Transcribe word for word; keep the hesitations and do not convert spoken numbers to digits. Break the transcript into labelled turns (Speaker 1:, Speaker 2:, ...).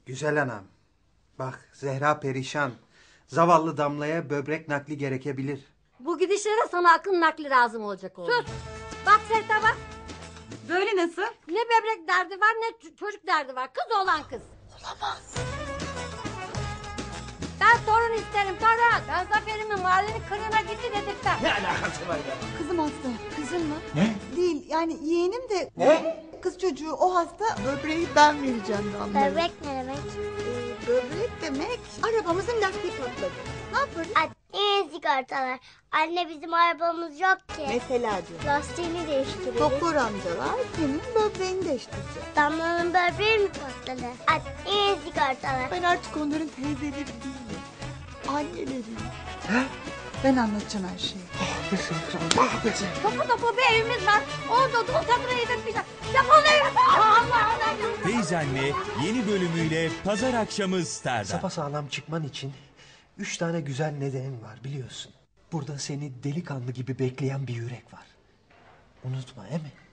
Speaker 1: Güzel anam. Bak Zehra perişan. Zavallı Damla'ya böbrek nakli gerekebilir.
Speaker 2: Bu gidişlere sana akıl nakli lazım olacak oğlum. Sus. Bak Serta bak.
Speaker 3: Böyle nasıl?
Speaker 2: Ne böbrek derdi var ne çocuk derdi var. Kız olan kız.
Speaker 3: Olamaz.
Speaker 2: Ben torun isterim torun. Ben Zafer'imin mahallenin kırığına gitti dedirtmem.
Speaker 1: Ne alakası var ya?
Speaker 3: Kızım hasta.
Speaker 2: Kızın mı?
Speaker 1: Ne?
Speaker 3: Değil yani yeğenim de...
Speaker 1: Ne?
Speaker 3: Kız çocuğu o hasta, böbreği ben vereceğim Damla'ya.
Speaker 4: Böbrek ne demek?
Speaker 3: Ee, böbrek demek arabamızın lastiği patladı. Ne yaparız?
Speaker 4: Anne sigortalar. Anne bizim arabamız yok ki.
Speaker 3: Mesela diyor.
Speaker 4: Lastiğini değiştiririz.
Speaker 3: Doktor amcalar senin böbreğini değiştirecek.
Speaker 4: Damlanın böbreği mi patladı? Anne sigortalar.
Speaker 3: Ben artık onların teyzeleri değilim. Anneleriyim. Ben anlatacağım her şeyi.
Speaker 2: Topu topu bir evimiz var. Orada dul kadına yedirtmeyecek. Defol evime. Allah Allah.
Speaker 5: Teyzenle yeni bölümüyle pazar akşamı Star'da.
Speaker 1: Sapasağlam çıkman için üç tane güzel nedenin var biliyorsun. Burada seni delikanlı gibi bekleyen bir yürek var. Unutma, değil mi?